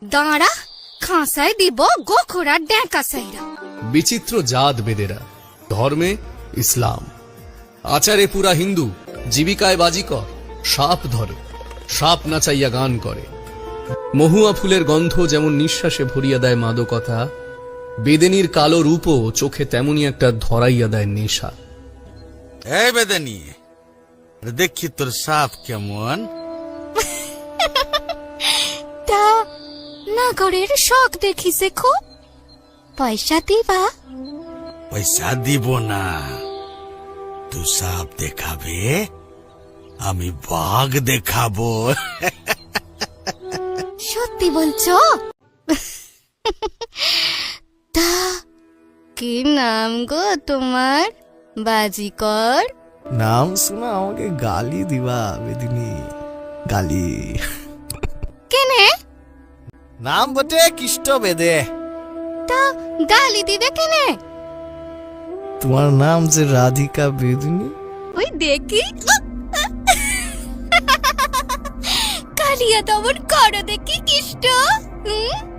দাঁড়া, খাঁসায় দিব গোখরার ড্যাঁকা সাইরা। বিচিত্র জাত বেদেরা, ধর্মে ইসলাম, আচারে পুরা হিন্দু, জীবিকায় বাজিকর, সাপ ধরে, সাপ নাচাইয়া গান করে। মহুয়া ফুলের গন্ধ যেমন নিঃশ্বাসে ভরিয়া দেয় মাদকতা, বেদেনীর কালো রূপও চোখে তেমনি একটা ধরাইয়া দেয় নেশা। এই বেদেনী, দেখি তোর সাপ কেমন। তা নাগরের শখ দেখিছে খুব, পয়সা দিবা? পয়সা দিব না, তুই সাপ দেখাবে, আমি বাঘ দেখাবো। সত্যি বলছো? তা কি নাম গো তোমার, বাজিকর? নাম শুনা আমাকে গালি দিবা বেদিনী, গালি। কেনে? নাম বটে কিষ্ট বেদে। তা গালি দিবে কেনে? তোমার নাম যে রাধিকা বেদিনী। ওই দেখি, কালিয়া দমন করো দেখি কিষ্ট।